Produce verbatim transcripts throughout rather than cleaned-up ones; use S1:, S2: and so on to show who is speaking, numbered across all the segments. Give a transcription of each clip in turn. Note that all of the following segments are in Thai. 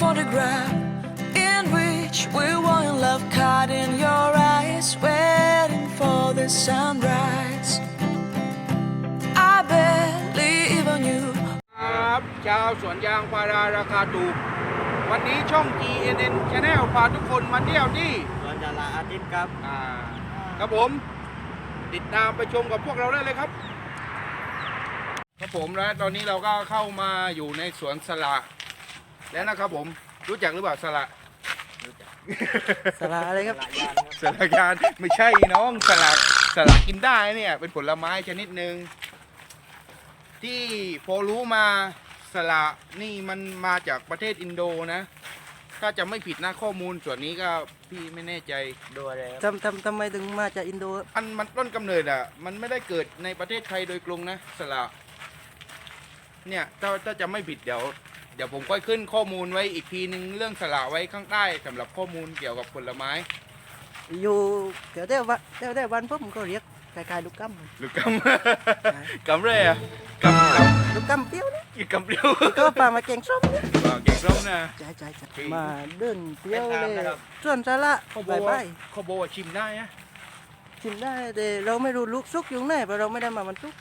S1: photograph in which we were in love, caught in your eyes, waiting for the sunrise. I barely even knew.
S2: ครับชาวสวนยางพาราราคาถูกวันนี้ช่อง จี เอ็น เอ็น Channel พาทุกคนมาเที่ยวที่
S3: สวนยางอาทิตย์ครับ
S2: อ่าครับผมติดตามไปชมกับพวกเราได้เลยครับครับผมและตอนนี้เราก็เข้ามาอยู่ในสวนสละแล้วนะครับผมรู้จักหรือเปล่าสละ
S3: รู้จัก
S4: สละอะไรครับ
S2: สละยานไม่ใช่น้องสละสละกินได้เนี่ยเป็นผลไม้ชนิดหนึ่งที่พอรู้มาสละนี่มันมาจากประเทศอินโดนะถ้าจะไม่ผิดนะข้อมูลส่วนนี้ก็พี่ไม่แน่ใจ
S3: ดูอะไรครับ
S4: ทำทำทำไมถึงมาจากอินโด
S2: อันมันต้นกำเนิดอ่ะมันไม่ได้เกิดในประเทศไทยโดยตรงนะสละเนี่ยถ้าถ้าจะไม่ผิดเดี๋ยวเดี๋ยวผมค่อยขึ้นข้อมูลไว้อีกทีนึงเรื่องสละไว้ข้างใต้สำหรับข้อมูลเกี่ยวกับผลไม้
S4: อยู่แถวแถววันแถวแถววันผมก็เรียกคล้ายๆลูกกัม
S2: หรือกำ กำเลยอ่ะกำกำ
S4: ลูกกัมเปรี้ยวนะ
S2: อีกกำเปรี้ยว
S4: ก็ปลามาแกงส้มนะ
S2: อ่าเก่งส้มนะ
S4: ใช่ใช่ใช่
S2: จริง
S4: มาเดินเปรี้ยวเลยส่วนสาระ
S2: เขาบ
S4: ไป
S2: อก
S4: ไป
S2: ว่าเขาบอกว่าชิมได้นะ
S4: ชิมได้แต่เราไม่รู้ลูกซุกอยู่ไหนเพราะเราไม่ได้มาวันซุก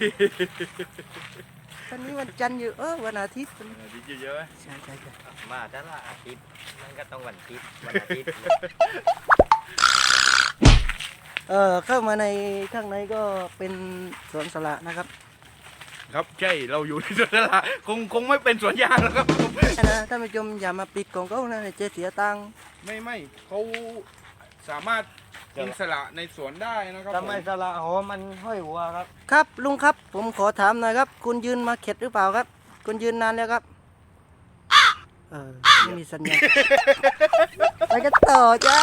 S4: วันนี้วันจันทร์อยู่เออวันอาทิตย์
S2: ดีเยอะ
S4: ใช่ใช่ใช่
S3: มาแต่ละอาทิตย์นั่นก็ต้องวันอาทิตย์วันอาทิตย์
S4: เออเข้ามาในข้างในก็เป็นสวนสละนะครับ
S2: ครับใช่เราอยู่ในสวนสละคงคงไม่เป็นสวนยางแล้วครับ
S4: นะท่านผู้ชมอย่ามาปิดของเขานะเจ๊เสียตังค์
S2: ไม่ไม่เขาสามารถกินสละในสวนได้นะครับ
S3: ทำไมสละโหมันห้อยหัวครับ
S4: ครับลุงครับผมขอถามหน่อยครับ คุณยืนมาเข็ดหรือเปล่าครับ คุณยืนนานแล้วครับเออไม่มีสัญญาณ ไปกันต่อจ้า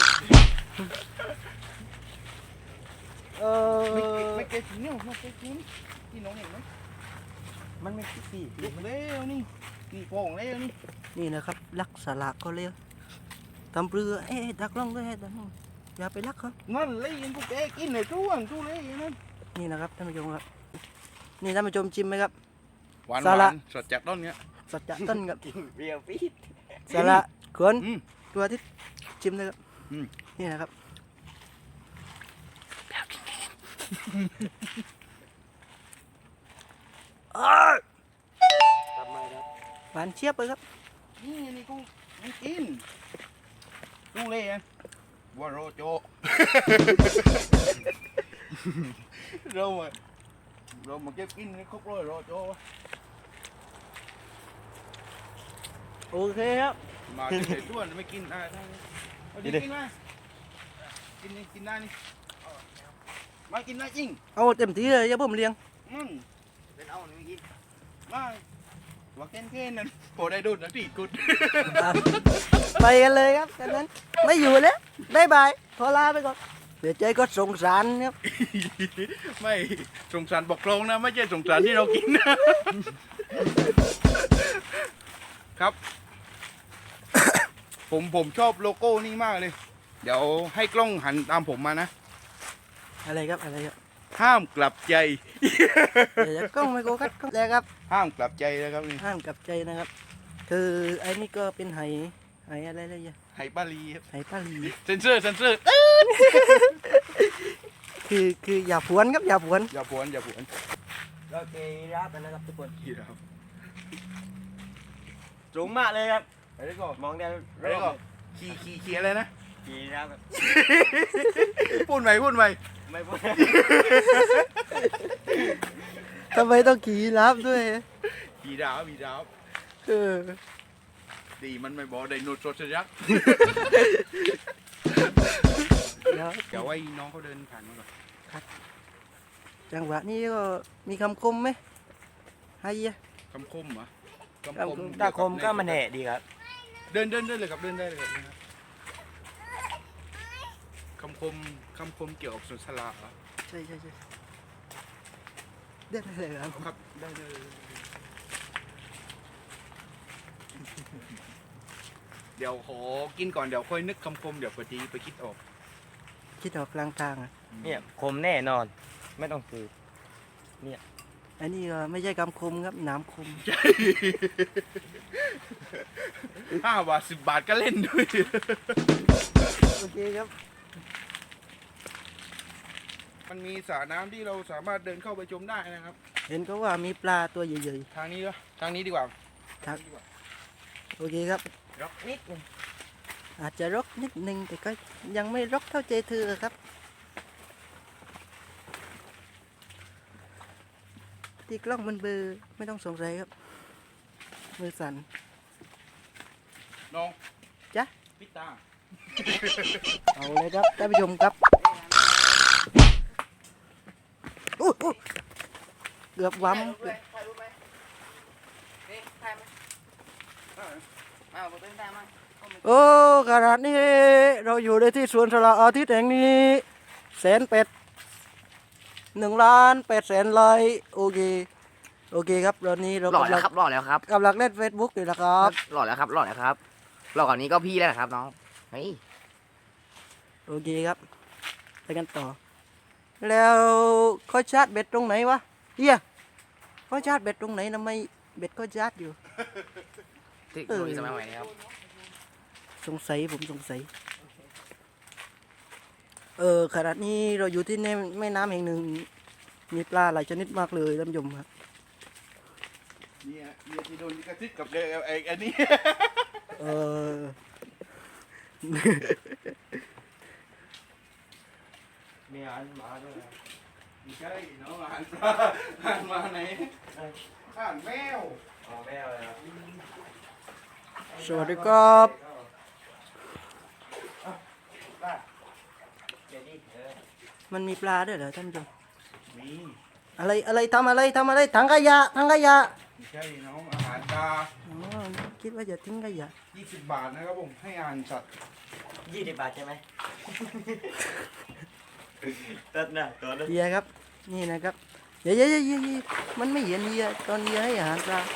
S4: เออ
S2: ไม่ไม่เก็ตเนี่ยไม่เก็ตนี่ที่น้องเห็นไหม
S3: มันไม่คิดสิ
S2: ลูกเลี้ยวนี่นี่โป่งเลี้ยวนี่
S4: นี่นะครับลักสลักก็เร็วตำเรือเอ๊ะดักล่องด้วยเอ๊ะดักล่องอย่าไปลักเขา
S2: นั่นเลี้ยงกูเอ๊กินเลยจ้วงจู้เลี้ยนั่น
S4: นี่นะครับท่านผู้ชมครับนี่ท่านผู้ชมชิมไหมครับ
S2: หวาน
S4: สละ
S2: หวานสดจากต้นเนี้ย
S4: สัจจะต้นครับ
S3: กินเรียวปีด
S4: สละขวน
S2: อืม
S4: ตัวที่ชิมเลยครับ
S2: อืม
S4: นี่นะครับ
S3: ทำไมครับ
S4: หวานเชียบเลยครับ
S2: นี่นี่กูไม่กินจู้เลี้ยงว่าโรโจ เรามาเรามาเก็บกินให้ครบร้อยโรโจ
S4: โอเคครับ
S2: มาเฉยๆด้วนไม่กินได้ได้เอาดิกินไหมกินนี่กินได้นี่มากินได้จริง
S4: เอาเต็มที่เลยอย่าผมเลี้ยง
S2: อืม
S3: เป็นเอาหนึ่งกิน
S2: มาว่าแค่แค่นั้นพอได้ดูนะที่กุด
S4: ไปกันเลยครับจากนั้นไม่อยู่แล้วบายบายขอลาไปก่อนเสียใจก็สงสารครับ
S2: ไม่สงสารบอกลงนะไม่ใช่สงสารที่เรากินนะครับ ผมผมชอบโลโก้นี่มากเลย เดี๋ยวให้กล้องหันตามผมมานะ
S4: อะไรครับอะไรครับ
S2: ห้ามกลับใจ
S4: เดี๋ยวจะกล้องไม่โกกัดกล้องแล้วครับ
S2: ห้ามกลับใจนะครับนี่
S4: ห้ามกลับใจนะครับ คือไอ้นี่ก็เป็นไหไหอะไรเลยอ่ะ
S2: ไหปาลีครับ
S4: ไหป้าลี
S2: เซนเซอร์เซนเซอร์
S4: คือคืออย่าผวนครับอย่าผวน
S2: อย่าผวนอย่าผวน
S3: โอเครับกันนะครับทุกคน
S2: กี่ครับ
S3: สูงมากเลยครับ
S2: ไปได้ก่อน
S3: มองได้
S2: ไปได้ก่อนขี่ขี่ขี่อะไรนะ
S3: กี่รับครับ
S2: พูดใหม่พูดใหม่
S3: ไม่พูด
S4: ทำไมต้องขี่รับด้วย
S2: ขี่ดาวขี่ดาว
S4: เออ
S2: ดีมันไม่บอกไดโนเสาร์ยักษ์
S4: เดี๋ยว
S2: เดี๋ยวไอ้น้องเขาเดินผ่านมาก่อน
S4: จังหวะนี้ก็มีคำคมไหมไฮยะ
S2: คำคมเหรอ
S4: คำคม
S3: ตาคมก็มันแหน่ดีครับ
S2: เดินเดินได้เลยครับเดินได้เลยครับคำคมคำคมเกี่ยวกับสวนสละเหรอ
S4: ใช่ใช่ใช่เด็ดเลยครับ
S2: ครับได้เลย เดี๋ยวขอกินก่อนเดี๋ยวค่อยนึกคำคมเดี๋ยวพอดีไปคิดออก
S4: คิดออกกลางทางอ่ะ
S3: เนี่ยคมแน่นอน ไม่ต้องซื้อเนี่ย
S4: อันนี้ก็ไม่ใช่คำคมครับหนามคม
S2: ห้าบาทสิบบาทก็เล่นด้วย
S4: โอเคครับ
S2: มันมีสระน้ำที่เราสามารถเดินเข้าไปชมได้นะครับ
S4: เห็นก็ว่ามีปลาตัวใหญ่
S2: ทางนี้ก็ทางนี้ดีกว่า
S4: ๆครับโอเคครับ
S3: ร็อกนิดหนึง
S4: อาจจะรกนิดนึงแต่ก็ยังไม่รกเท่าใจเธอครับที่กล้องมันเบลอไม่ต้องสงสัยครับมือสั่น
S2: น้อง
S4: จ๊ะ
S2: พิตา
S4: เอาเลยครับท่านผู้ชมครับอู้หูเกือบวั้ม
S3: ถ่ายรูปไหมนี่ถ่ายไหมเอาไปเป็นถ่ายไหม
S4: โอ้ขนาดนี้เราอยู่ในที่สวนสละอาทิตย์แห่งนี้แสนเป็ดหนึ่งล้านแปดแสนไลค์โอเคโอเคครับตอนนี้เรา
S3: หล่อก
S4: ำ
S3: แล้
S4: ลั
S3: ว
S4: ง
S3: ครับหล่อแล้วครับ
S4: กำลังเล่นเฟซบุ๊กอยู่นะครับ
S3: หล่อแล้วครับหล่อแล้วครับหล่อกว่านี้ก็พี่แล้วนะครับน้องเฮ้ย
S4: โอเคครับไปกันต่อ แล้วเขาชาร์จเบ็ดตรงไหนวะเฮียเขาชาร์จเบ็ดตรงไหนทำไมเบ็ดก็ชาร์จอยู่
S3: ที่
S4: เออ
S3: มีสมัยใหม่นี้ครับ
S4: สงสัยผมสงสัย เออขณะนี้เราอยู่ที่ในแม่น้ำแห่งหนึ่ง มีปลาหลายชนิดมากเลยท่านผู้ชมครับ
S2: เนี่ยเนี่ยที่โดนลิขสิทธิ์กับเด็กไอ้อันนี้
S4: เออ
S3: มีอันมาด้วย
S2: ไม่ใช่น้องอ่านปลาอ่านมาไหนอ่านแมว
S3: อ๋อแม่เลยครับ
S4: สวัสดีครับ
S3: เดี๋ยวดิเออ
S4: มันมีปลาด้วยเหรอท่านผู้ชม
S2: มี
S4: อะไรอะไรทำอะไรทำอะไรถังขยะถังขยะ
S2: ไม่ใช่น้องอาหารตา
S4: อ๋อคิดว่าจะทิ้งขยะ
S2: ยี่สิบบาทนะครับผมให้อ่านสัตว์
S3: ยี่สิบบาทใช่ไหมตัดนะตัวนั้น
S4: เฮียครับ นี่นะครับเฮียเฮียเฮียเฮียเฮียมันไม่เห็นเฮียตอนเฮียให้อาหารปลา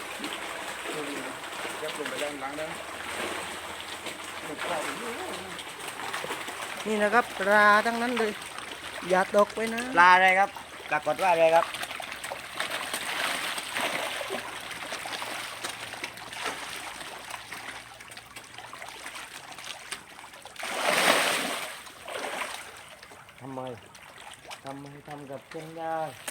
S2: จะลงไปด้านหลังนะ
S4: นี่นะครับปลาทั้งนั้นเลย อย่าตกไปนะ
S3: ปลาอะไรครับปรากฏว่าอะไรครับทำไมทำไมทำกับเพื่อนได้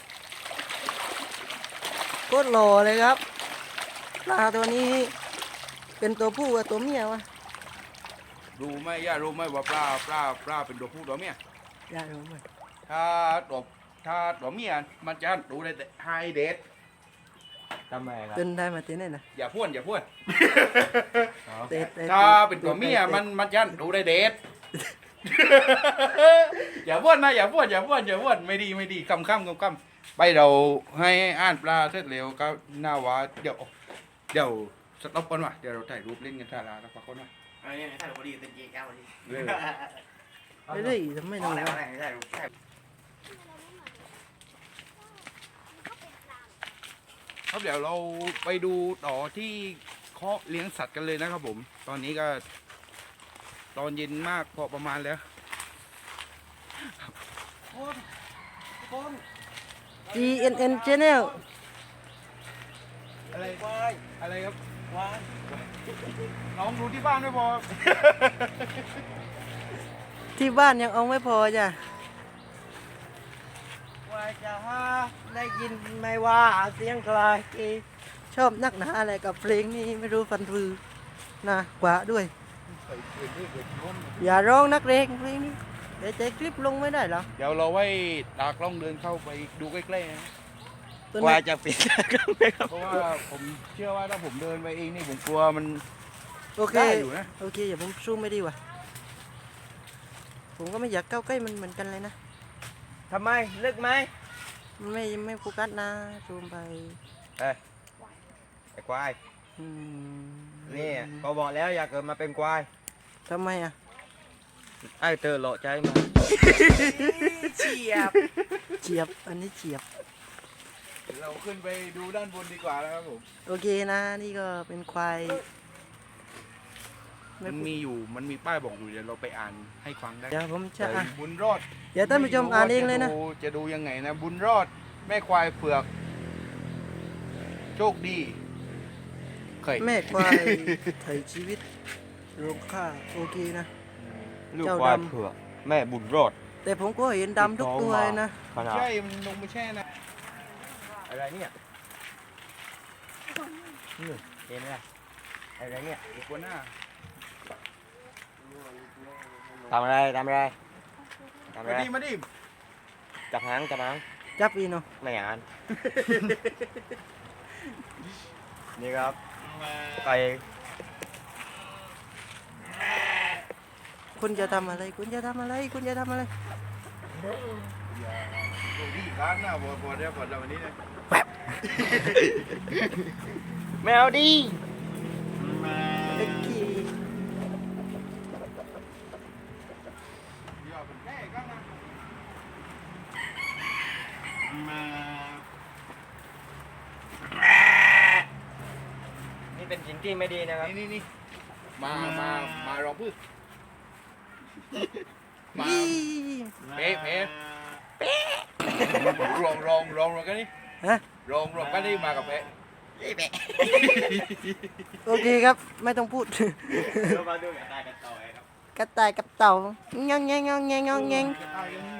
S4: โคตรหล่อเลยครับ ปลาตัวนี้ เป็นตัวผู้กับตัวเมียวะ
S2: รู้ไหมย่ารู้ไหมว่าปลาปลาปลาเป็นตัวผู้ตัวเมีย
S4: อย่ารู้ไหม
S2: ถ้าตัวถ้าตัวเมียมันจะดูได้แต่ไฮเดท
S3: ทำไมครับ
S4: เต้นได้มาเต้นได้นะ
S2: อย่าพ่วนอย่าพ่วน
S4: เตะเตะ
S2: ถ้าเป็นตัวเมียมันมันจะดูได้เดท อย่าพ่วนนะอย่าพ่วนอย่าพ่วนอย่าพ่วนไม่ดีไม่ดีคำคำคำคำไปเราให้อ่านปลาเสร็จเร็วก็น่าว่าเดี๋ยวเดี๋ยวสต็อปก่อนว่ะเดี๋ยวเราถ่ายรูปเล่นกันท่าลาแล้วพักก่อนว่ะ
S3: อันนี้ถ่ายรูปพอดีเป็นจีแก้วพอดี
S2: เร็ว
S4: เฮ้ยทำไม
S3: อ๋อ
S4: ทำ
S3: แล้ว
S4: วะ
S3: อะไรถ่ายรูปถ่าย
S2: ครับเดี๋ยวเราไปดูต่อที่เคาะเลี้ยงสัตว์กันเลยนะครับผม ตอนนี้ก็ ตอนเย็นมากพอประมาณแล้ว
S4: จี เอ็น เอ็น Channel
S2: อะไรอะไรครับน้องดูที่บ้านไม่พอ
S4: ที่บ้านยังเอาไม่พอจ้ะ
S3: ว่าจะหาได้ยินไหมว่าเสียงใคร
S4: ชอบนักหนาอะไรกับเพลงนี้ไม่รู้ฟันฟือนะกว่าด้วย อย่าร้องนักเลงเพลงนี้เดี๋ยวจะคลิปลงไม่ได้หรอ
S2: เดี๋ยวเราไว้ตากล้องเดินเข้าไปดูใกล้ๆนะ
S4: ตัว
S3: ว่า
S4: นี้
S3: จะปิดกล้องไหมครับ
S2: เพราะว่าผมเชื่อว่าถ้าผมเดินไปเองนี่ผมกลัวมัน
S4: โอเค
S2: ได้อยู่นะ
S4: โอเคอย่าผมซูมไม่ดีว่ะผมก็ไม่อยากเข้าใกล้มันเหมือนกันเลยนะ
S3: ทำไมลึกไหม
S4: มันไม่ไม่โฟกัสนะซูมไป
S3: ไอ้ควาย
S4: อืม
S3: นี่ก็บอกแล้วอย่าเกิดมาเป็นควาย
S4: ทำไมอ่ะ
S3: ไอ้เธอหล่อใจมาเฉียบ
S4: เฉียบอันนี้เฉียบ
S2: เราขึ้นไปดูด้านบนดีกว่านะครับผม
S4: โอเคนะ นี่ก็เป็นควายไม่
S2: มัน
S4: พูด
S2: มีอยู่มันมีป้ายบอกอยู่เดี๋ยวเราไปอ่านให้ฟังได้
S4: เดี๋ยวผมจะอ่ะ
S2: บุญรอด
S4: เดี๋ยวท่านผู้ชมอ่านเองเลยนะ
S2: จดูจะดูยังไงนะ บุญรอดแม่ควายเผือกโชคดีเคย
S4: แม่ควายไถ่ชีวิตลงค่าโอเคนะ
S5: ลูก
S4: เจ้า
S5: ควาย
S4: ดำ
S5: เผือกแม่บุญรอด
S4: แต่ผมก็เห็นดำทุกตัวเลยนะ
S5: ขนาด
S2: ใช่มันลงไปแช่นะ
S5: อะไรเนี่ยนี่เห็นไหมอะไรเนี่ย
S2: อีกคนหน้า
S5: ทำอะไรทำอะไรทำอะ
S2: มา
S5: ไร
S2: ดิมาดิ
S5: จับหางจับหาง
S4: จับอีเนาะ
S5: ไม่อ่าน นี่ครับไก่
S4: คุณจะทำอะไร คุณจะทำอะไร คุณจะทำอะไร
S2: โชคดีการหน้าบอดบอดได้บอดเราวันนี้นะ
S5: ไม่เอาดิ
S4: เล็กขี้
S2: อย่าเป็นแม่กันนะ
S5: นี่เป็นสิ่งที่ไม่ดีนะครับ
S2: นี่นี่นี่มา มา มารองพึ่งมา
S4: ยี่
S2: เป๊ะเป๊ะรองรองรองรองกันนี่
S4: ฮะ
S2: รองรองกันนี่มากับเป๊ะ
S4: โอเคครับ ไม่ต้องพูด
S5: เรามาดูกระต่ายกันต่อครับ
S4: กระต่ายกับเต่าเงงเงงเงงเงงเงง
S2: จะตายกันนี่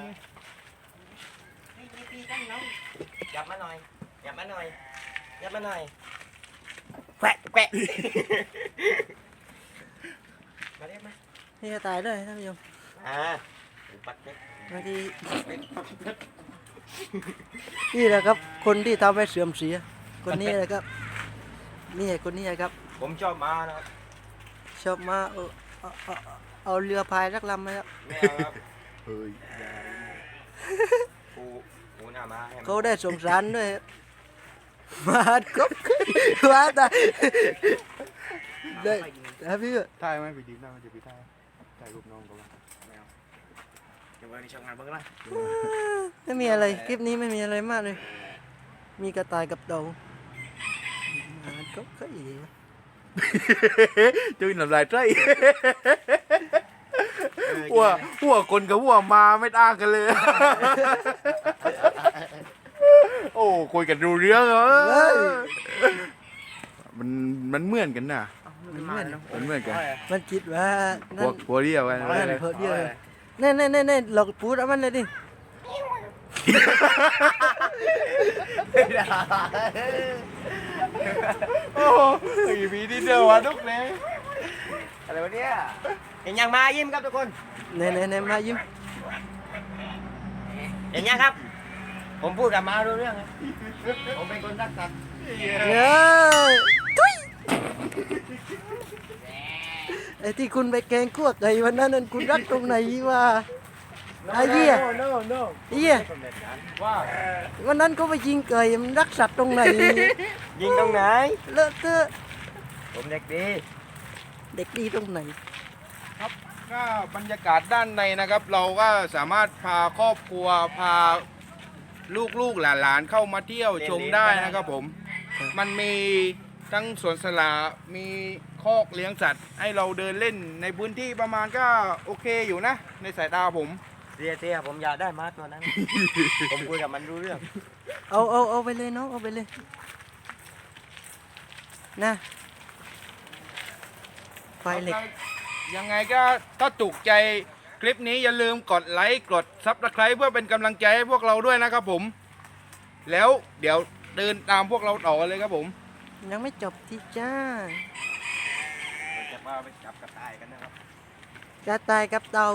S5: ยับมาหน่อยยับมาหน่อยยับมาหน่อย
S4: แquẹ
S5: แกะมาเรียกมา
S4: นี่จะตายด้วยท่านผู้ชม
S5: อ่าปัดเล็ก
S4: บางทีนี่แหละครับ คนที่ทำให้เสื่อมเสีย คนนี้แหละครับ นี่คนนี้ครับ
S5: ผมชอบมานะครับ
S4: ชอบมาเอาเอาเอาเอาเรือพายรักลำไหมครับ
S5: ไม่เอาครับ
S2: เฮ้ย
S5: ปูปูหน้ามาให้มัน
S4: เขาได้สงสารด้วยครับมาก็มาตายได้ครับพี่
S2: ถ่ายไหมไปดีหน้ามันจะไปถ่ายถ่ายรูปน้องก็ว่า
S5: เดี๋ยววันนี้ช่างงานเบิ่งละ
S4: ไม่มีอะไรคลิปนี้ไม่มีอะไรมากเลย มีกระต่ายกับเต่ามาก็ก็อีก
S2: จุ้ยน้ำลายใจหัวหัวคนกับหัวมาไม่ต่างกันเลย โอ้คุยกันรู้เรื่องเหรอมันมันเหมือนกันน่ะ
S4: มันเหมือน
S2: มันเหมือนกัน
S4: มันคิดว่า
S2: พ
S4: นั่
S2: วน กพวกเดียวกัน
S4: นั่นเพอเดียวเน่เน่เน่เน่หลอกพูดเอามันเลยดิ
S2: โอ้ยมีที่เดียววะทุกเลย
S5: อะไรวะเนี่ยเห็นยังมายิ้มครับทุกคน
S4: เน่เน่เน่มายิ้ม
S5: เห็นยังครับ ผมพูดกับมารู้เรื่องครับผมเป็นคนรักสัตว์
S4: เย้ยทุยไอ้ที่คุณไปแกงคั่วไก่วันนั้นนั่นคุณรักตรงไหนวะไอ้เหี้ย
S5: โน่โน่
S4: ไอ้เหี้ย
S2: ว่า
S4: วันนั้นก็ไปยิงไก่มันรักสัตว์ตรงไหน
S5: ยิงตรงไหน
S4: เลอะเทอะ
S5: ผมเด็กดี
S4: เด็กดีตรงไหน
S2: ก็บรรยากาศด้านในนะครับ เราก็สามารถพาครอบครัวพาลูกๆหลานๆเข้ามาเที่ยวชมได้นะครับผม มันมีทั้งสวนสละมีคอกเลี้ยงสัตว์ ให้เราเดินเล่นในพื้นที่ประมาณก็โอเคอยู่นะ ในสายตาผม
S5: เสียเสียผมอยากได้มาตัวนั้น ผมคุยกับมันรู้เรื่อง
S4: เอาเอาเอาไปเลยน้องเอาไปเลยนะไฟเหล็ก
S2: ยังไงก็ถ้าถูกใจคลิปนี้อย่าลืมกดไลค์กดซับสไคร b e เพื่อเป็นกำลังใจให้พวกเราด้วยนะครับผม แล้วเดี๋ยวเดินตามพวกเราต่อเลยครับผม
S4: ยังไม่จบที่จ้า
S5: เราจะมาไปจับกระต่ายกันนะครับ
S4: กระต่ายกับเต่า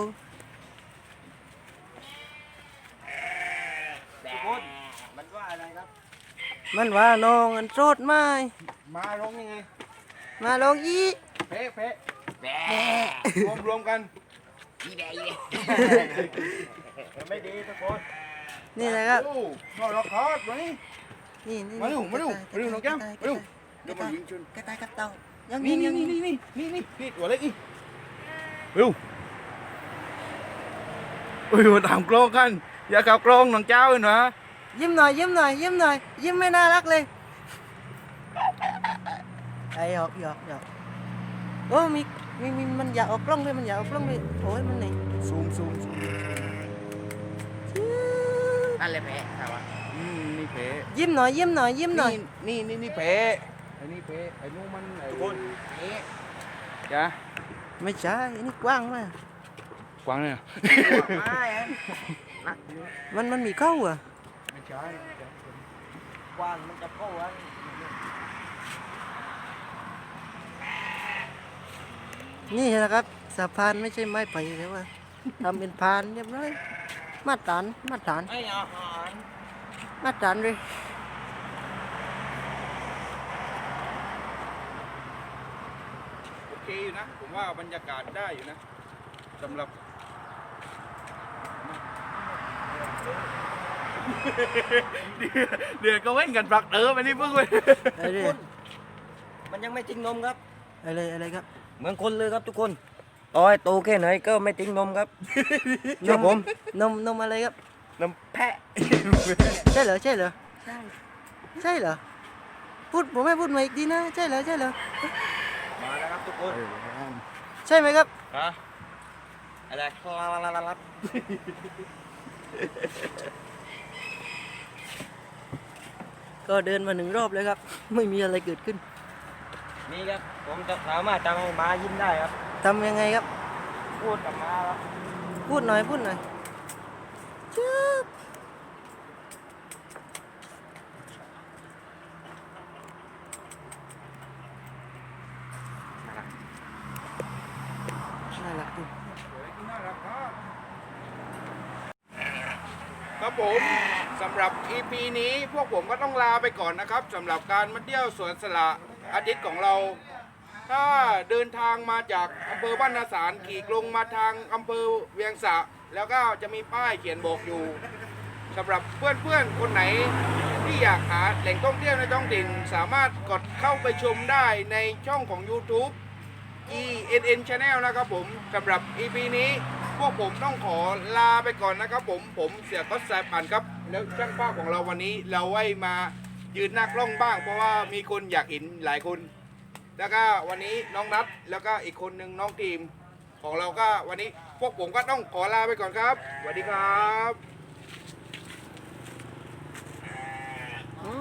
S5: ทุกคนมันว่าอะไรครับ
S4: มันว่าน้องอันโสดไหม
S2: มาร้องยังไง
S4: มาลองอี
S2: เป๊ะเป๊ะรวมรวมกัน
S5: มันไม่ดีทุกคน
S4: นี่แหละครับ
S2: โอ้นอนรอคอร์ดมานี่
S4: นี่นี่
S2: มาเร็วมาเร็ว
S4: กระต่ย
S2: มาเร็วน้องแก้ม
S4: กระ
S2: มาเร็ว
S4: ต่าย
S2: เดี๋ยวมายิงชน
S4: กระต่ายกับเต่ายัง
S2: นี่
S4: ยิง
S2: นี่
S4: ยัง
S2: นี่
S4: ยิง
S2: นี่นี่นี่นี่ตัวเล็กอีเร็วเอ้ยมาตามกล้องกัน อย่าขับกล้องน้องเจ้าเลยนะ
S4: ยิ้มหน่อยยิ้มหน่อยยิ้มหน่อยยิ้มไม่น่ารักเลยไอ้หยอกหยอกหยอกโอ้มีมีมีมันอยากออกกล้องด้วยมันอยากออกกล้องด้วยโอ้ยมันไหน
S2: ซูมซูมซูม
S5: นั่นเลยแพ้ใช่ปะ
S2: นอืมนี่เพ
S4: ยิ้มหน่อยยิ้มหน่อยยิ้มหน่อย
S2: นี่นี่นี่เพไอ้นี่เพไอ้นู้นมันไอ้เพจ้ะ
S4: ไม่ใช่อันนี้กว้างมาก
S2: กวางเลย
S5: ไม่อะ
S4: มันมันมีเข้าอ่ะ
S2: ไม่ใช่
S5: กว้างมันจะเข้าอะ
S4: นี่นะครับสะพานไม่ใช่ไม้ไผ่แต่ว่าทำเป็นพานเรียบร้อยมาตรฐานมาตรฐาน
S5: ไอ้อาหาร
S4: มาตรฐานเลย
S2: โอเคอยู่นะ ผมว่าบรรยากาศได้อยู่นะสำหรับ เดือดก็เว้นกันปลักเออไปนี่เพิ่งเลย
S4: อะไร
S5: มันยังไม่ทิ้งนมครับ
S4: อะไรอะไรครับ
S5: เหมือนคนเลยครับทุกคนต่อให้โตแค่ไหนก็ไม่ทิ้งนมครับเชื่อผม
S4: นมนมอะไรครับ
S5: นมแพะ
S4: ใช่เหรอใช่เหรอใช่ใช่เหรอพูดผมไม่พูดมาอีกทีนะใช่เหรอใช่เหรอ
S5: มาแล้วครับทุกคน
S4: ใช่ไหมครับ
S5: ฮะอะไรคลาลาลาลา
S4: ก็เดินมาหนึ่งรอบเลยครับ ไม่มีอะไรเกิดขึ้น
S5: นี่ครับผมจะสามารถทำให้ม้ายิ้มได้ครับ
S4: ทำยังไงครับ
S5: พูดกับม้าครับ
S4: พูดหน่อยพูดหน่อยจึ๊บน่ารักดี
S2: ครับผมสำหรับ อี พี นี้พวกผมก็ต้องลาไปก่อนนะครับสำหรับการมาเที่ยวสวนสละอาทิตย์ของเรา ถ้าเดินทางมาจากอำเภอบ้านนาสารขี่ลงมาทางอำเภอเวียงสะแล้วก็จะมีป้ายเขียนบอกอยู่สำหรับเพื่อนๆคนไหนที่อยากหาแหล่งท่องเที่ยวในท้องถิ่นสามารถกดเข้าไปชมได้ในช่องของ YouTube อี เอ็น เอ็น Channel นะครับผมสำหรับ อี พี นี้พวกผมต้องขอลาไปก่อนนะครับผมผมเสียก็แสบปั่นครับแล้วช่างภาพของเราวันนี้เราไว้มายืนหน้ากล้องบ้าง เพราะว่ามีคนอยากเห็นหลายคน แล้วก็วันนี้น้องนัทแล้วก็อีกคนหนึ่งน้องทีมของเราก็วันนี้พวกผมก็ต้องขอลาไปก่อนครับสวัสดีครับ
S4: แม่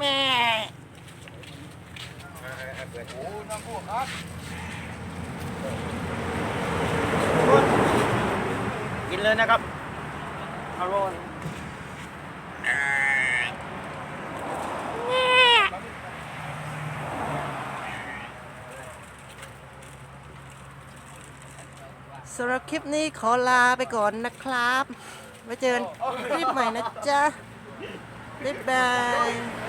S2: โอ้น้องพวกครับ
S5: กินเลยนะครับอร่อย
S4: สำหรับคลิปนี้ขอลาไปก่อนนะครับไว้เจอกันคลิปใหม่นะจ๊ะบ๊ายบาย